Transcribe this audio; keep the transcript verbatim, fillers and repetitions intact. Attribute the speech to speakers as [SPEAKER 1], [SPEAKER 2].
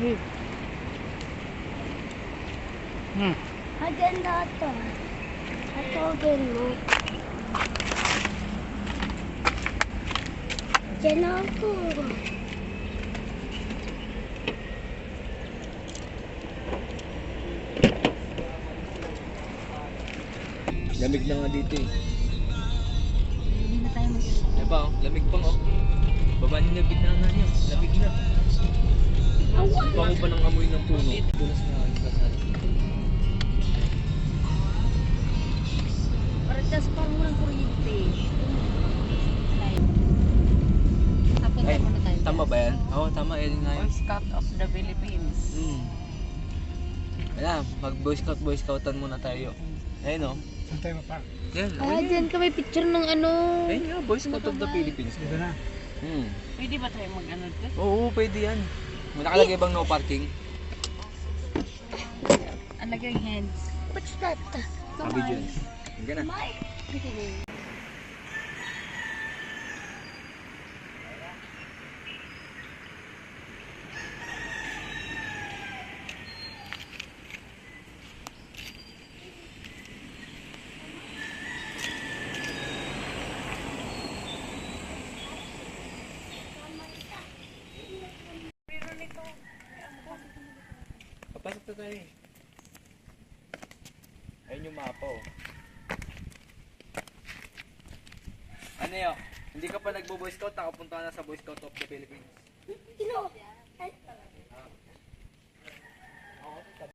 [SPEAKER 1] Hmm. Hmm.
[SPEAKER 2] Maganda ito. Atogin mo. Diyan ako.
[SPEAKER 3] Lamig na nga dito eh.
[SPEAKER 2] Hindi na tayo mag-
[SPEAKER 3] Diba oh, lamig pang oh. Baba niyo na bigla na niyo, lamig na.
[SPEAKER 2] Awan!
[SPEAKER 3] Bango pa ng amoy ng puno. Tulas na aking kasal.
[SPEAKER 2] Parang tas parang walang kuryente. Tapos
[SPEAKER 3] Ay,
[SPEAKER 2] muna tayo.
[SPEAKER 3] tama ba yan? Oo, tama. Yan nga yun.
[SPEAKER 2] Boy Scout of the Philippines.
[SPEAKER 3] Hmm. Ayan, mag Boy Scout, Boy Scoutan muna tayo. Ayun oh.
[SPEAKER 1] Saan tayo mapark?
[SPEAKER 3] Yan,
[SPEAKER 2] Ah,
[SPEAKER 3] okay.
[SPEAKER 2] dyan kami picture ng ano.
[SPEAKER 3] Ayun nga, Boy Scout of the Philippines.
[SPEAKER 1] Dito na.
[SPEAKER 3] Hmm.
[SPEAKER 2] Pwede ba tayo mag-ano dito?
[SPEAKER 3] Oo, pwede yan. May nakalagay bang no parking?
[SPEAKER 2] Ang lagay hands. What's that?
[SPEAKER 3] Sabi dyan. Hanggang na. Papasok na tayo eh. Ayun yung mapa oh. Ano yun? Hindi ka pa nagbo-Boy Scout, nakapunta ka na sa Boy Scout of the Philippines.
[SPEAKER 2] Sino?